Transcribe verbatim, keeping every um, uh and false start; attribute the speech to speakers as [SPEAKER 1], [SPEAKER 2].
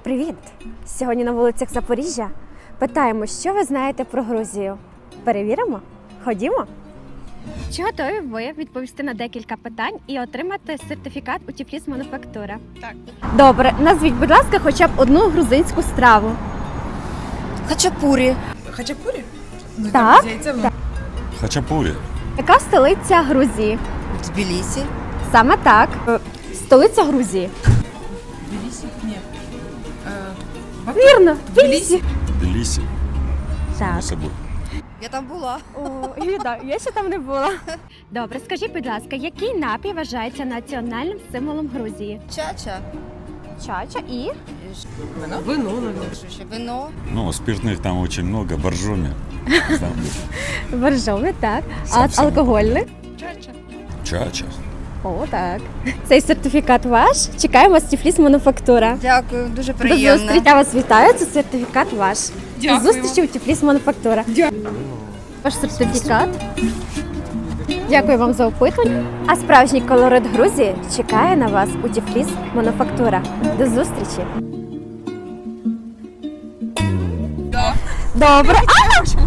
[SPEAKER 1] Привіт! Сьогодні на вулицях Запоріжжя питаємо, що ви знаєте про Грузію. Перевіримо? Ходімо! Чи готові ви відповісти на декілька питань і отримати сертифікат у Тіфліс Мануфактура?
[SPEAKER 2] Так.
[SPEAKER 1] Добре, назвіть, будь ласка, хоча б одну грузинську страву.
[SPEAKER 3] Хачапурі.
[SPEAKER 2] Хачапурі?
[SPEAKER 1] Так.
[SPEAKER 2] З яйцем?
[SPEAKER 1] Так.
[SPEAKER 4] Хачапурі.
[SPEAKER 1] Яка столиця Грузії?
[SPEAKER 3] Тбілісі.
[SPEAKER 1] Саме так. Е, Столиця Грузії.
[SPEAKER 2] Тбілісі? Ні. Е, Баку?
[SPEAKER 1] Вірно,
[SPEAKER 2] Тбілісі?
[SPEAKER 4] Тбілісі.
[SPEAKER 1] Так.
[SPEAKER 4] Само собою.
[SPEAKER 3] Я там була.
[SPEAKER 1] О, і, да, я ще там не була. Добре, скажіть, будь ласка, який напій вважається національним символом Грузії?
[SPEAKER 3] Чача.
[SPEAKER 1] Чача і?
[SPEAKER 2] Вино? Вино, наверное.
[SPEAKER 3] Що ще? Вино.
[SPEAKER 4] Ну, спиртных там очень много, боржоми.
[SPEAKER 1] Боржоми, так. А
[SPEAKER 4] Сам собі.
[SPEAKER 1] алкогольний?
[SPEAKER 2] Чача.
[SPEAKER 4] Чача.
[SPEAKER 1] О, так. Цей сертифікат ваш. Чекаємо з Тіфліс Мануфактура.
[SPEAKER 3] Дякую, дуже
[SPEAKER 1] До
[SPEAKER 3] приємно.
[SPEAKER 1] зустрічі. Я вас вітаю, це сертифікат ваш.
[SPEAKER 2] Дякую.
[SPEAKER 1] До зустрічі у Тіфліс Мануфактура.
[SPEAKER 2] Дякую.
[SPEAKER 1] Ваш сертифікат. Дякую вам за опитування. А справжній колорит Грузії чекає на вас у Тіфліс Мануфактура. До зустрічі.
[SPEAKER 2] Да.
[SPEAKER 1] Добре. А!